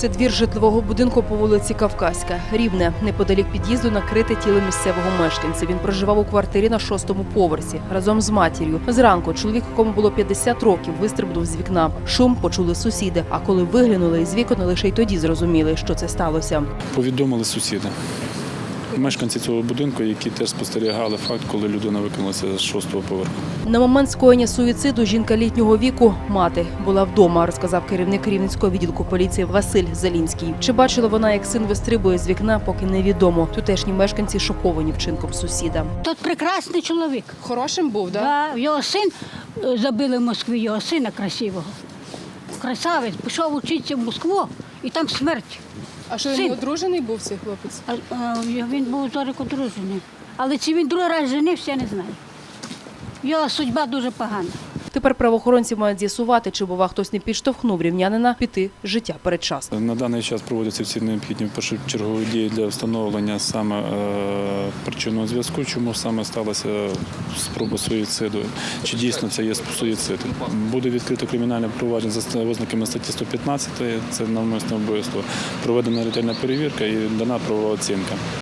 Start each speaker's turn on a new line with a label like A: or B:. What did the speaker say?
A: Це двір житлового будинку по вулиці Кавказька. Рівне, неподалік під'їзду накрите тіло місцевого мешканця. Він проживав у квартирі на 6-му поверсі разом з матір'ю. Зранку чоловік, якому було 50 років, вистрибнув з вікна. Шум почули сусіди, а коли виглянули із вікон, лише й тоді зрозуміли, що це сталося.
B: Повідомили сусіди. Мешканці цього будинку, які теж спостерігали факт, коли людина викинулася з 6-го поверху.
A: На момент скоєння суїциду жінка літнього віку, мати, була вдома, розказав керівник Рівненського відділку поліції Василь Залінський. Чи бачила вона, як син вистрибує з вікна, поки невідомо. Тутешні мешканці шоковані вчинком сусіда.
C: Тут прекрасний чоловік.
A: Хорошим був, так?
C: Да, його син забили в Москві, його сина красивого. Красавець, пішов вчитися в Москву і там смерть.
A: А що,
C: він
A: одружений був цей хлопець?
C: Він був зараз одружений. Але чи він другий раз женився, я не знаю. Його судьба дуже погана.
A: Тепер правоохоронці мають з'ясувати, чи, бува, хтось не підштовхнув рівнянина піти з життя передчасно.
B: На даний час проводяться всі необхідні першочергові дії для встановлення саме причинного зв'язку, чому саме сталася спроба суїциду, чи дійсно це є суїцид. Буде відкрито кримінальне провадження за ознаками статті 115, це навмисне вбивство, проведена ретельна перевірка і дана правова оцінка.